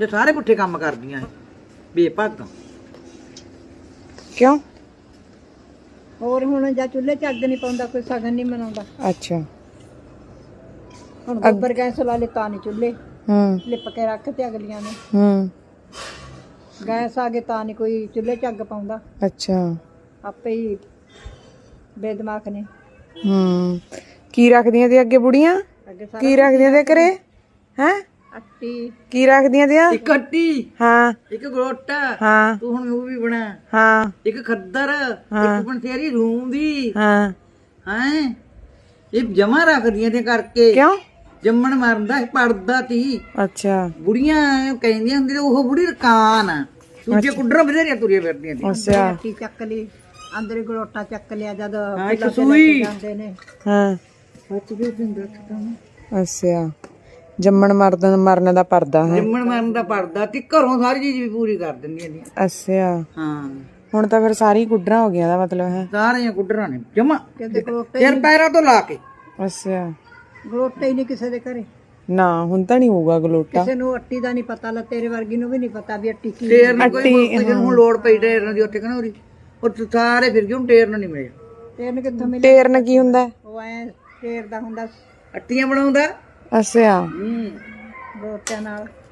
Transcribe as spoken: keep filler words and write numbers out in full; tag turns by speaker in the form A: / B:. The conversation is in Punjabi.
A: ਤੇ ਸਾਰੇ ਪੁੱਠੇ ਕੰਮ ਕਰਦੀਆਂ ਬੇਭਾਗਾਂ।
B: ਕਿਉਂ?
C: ਹੋਰ ਹੁਣ ਜਾਂ ਚੁੱਲ੍ਹੇ 'ਚ ਅੱਗ ਨਹੀਂ ਪਾਉਂਦਾ, ਕੋਈ ਸਗਨ ਨਹੀਂ ਮਨਾਉਂਦਾ।
B: ਅੱਛਾ।
C: ਹੁਣ ਗੋਬਰ ਗੈਸ ਲਾ ਲੇ ਤਾਂ ਨਹੀਂ ਚੁੱਲ੍ਹੇ
B: ਹੂੰ
C: ਲਿਪ ਕੇ ਰੱਖ ਤੇ ਅਗਲੀਆਂ ਨੇ।
B: ਹੂੰ
C: ਗੈਸ ਆ ਗਏ ਤਾਂ ਨਹੀਂ ਕੋਈ ਚੁੱਲ੍ਹੇ 'ਚ ਅੱਗ ਪਾਉਂਦਾ।
B: ਅੱਛਾ।
C: ਆਪੇ ਹੀ ਬੇਦਮਾਗ ਨੇ।
B: ਹੂੰ ਕੀ ਰੱਖਦੀਆਂ ਤੇ ਅੱਗੇ ਬੁੜੀਆਂ?
C: ਅੱਗੇ ਸਾਰਾ
B: ਕੀ ਰੱਖਦੀਆਂ ਤੇ ਘਰੇ? ਹੈ
C: ਅੱਟੀ
B: ਕੀ ਰੱਖਦੀਆਂ ਤੇ?
A: ਇੱਕ ਅੱਟੀ,
B: ਹਾਂ
A: ਇੱਕ ਗਲੋਟਾ,
B: ਹਾਂ
A: ਤੂੰ ਹੁਣ ਮੂੰਹ ਵੀ ਬਣਾ,
B: ਹਾਂ
A: ਇੱਕ ਖੱਦਰ, ਇੱਕ ਬਨਸੇਰੀ ਰੂਮ ਦੀ
B: ਹਾਂ।
A: ਹੈ ਇਹ ਜਮਾ ਰੱਖਦੀਆਂ ਤੇ ਕਰਕੇ।
B: ਕਿਉਂ?
A: ਜੰਮਣ ਮਰਦਾ ਪੜਦਾ ਤੀ।
B: ਅੱਛਾ
A: ਬੁੜੀਆਂ ਕਹਿੰਦੀਆਂ ਹੁੰਦੀਆਂ ਉਹ ਬੁੜੀ ਰਕਾਨ ਆ, ਦੂਜੇ ਕੁੱਡਰਾਂ ਬਥੇਰੀਆਂ ਤੁਰੀਆਂ ਫਿਰਦੀਆਂ ਤੀ।
B: ਅੱਛਾ
C: ਅੱਟੀ ਚੱਕ ਲਈ, ਅੰਦਰ ਹੀ ਗਲੋਟਾ ਚੱਕ ਲਿਆ ਜਦ
A: ਹਾਂ, ਇੱਕ
C: ਫੁੱਲਾਂ ਤੇ ਲੈ
A: ਸੂਈ।
C: ਕੇ ਜਾਂਦੇ ਨੇ।
B: ਹਾਂ
A: ਸੱਚ ਵੀ ਦਿੰਦਾ ਤਾਂ
B: ਅੱਛਾ। ਜੰਮਣ ਮਰਨ ਮਰਨ ਦਾ ਪਰਦਾ ਹੈ।
A: ਜੰਮਣ ਮਰਨ ਦਾ ਪੜਦਾ ਤੀ, ਘਰੋਂ ਸਾਰੀ ਚੀਜ਼ ਵੀ ਪੂਰੀ ਕਰ ਦਿੰਦੀਆਂ ਨੇ।
B: ਅੱਛਾ।
A: ਹਾਂ
B: ਹੁਣ ਤਾਂ ਫਿਰ ਸਾਰੀ ਕੁੱਡਰਾਂ ਹੋ ਗਈਆਂ ਦਾ ਮਤਲਬ ਹੈ।
A: ਸਾਰੀਆਂ ਕੁੱਡਰਾਂ ਨੇ ਜਮਾ
C: ਕਹਿੰਦੇ ਗਲੋਟੇ
A: ਸਿਰ ਪੈਰਾਂ ਤੋਂ ਲਾ ਕੇ।
B: ਅੱਛਾ।
C: ਗਲੋਟੇ ਹੀ ਨਹੀਂ ਕਿਸੇ ਦੇ ਘਰੇ।
B: ਨਾ ਹੁਣ ਤਾਂ ਨਹੀਂ ਹੋਊਗਾ ਗਲੋਟਾ।
C: ਕਿਸੇ ਨੂੰ ਅੱਟੀ ਦਾ ਨਹੀਂ ਪਤਾ, ਲਾ ਤੇਰੇ ਵਰਗੀ ਨੂੰ ਵੀ ਨਹੀਂ ਪਤਾ ਵੀ ਅੱਟੀ ਕੀ।
A: ਟੇਰ ਨੂੰ ਕੋਈ ਕਿਸੇ ਨੂੰ ਲੋੜ ਪਈ ਟੇਰਨ ਦੀ ਉੱਥੇ ਕਹਿੰਦਾ ਉਰੀ ਉਹ ਸਾਰੇ ਫਿਰ ਕਿਉਂ ਟੇਰਨ ਨਹੀਂ ਮਿਲਿਆ।
C: ਤੇਰਨ ਕਿੱਥੋਂ ਮਿਲੇ?
B: ਟੇਰਨ ਕੀ ਹੁੰਦਾ?
C: ਉਹ ਐ ਟੇਰ ਦਾ ਹੁੰਦਾ
A: ਅੱਟੀਆਂ ਬਣਾਉਂਦਾ।
B: ਅੱਛਾ।
A: ਹੂੰ
C: ਗਲੋਟਿਆਂ ਨਾਲ।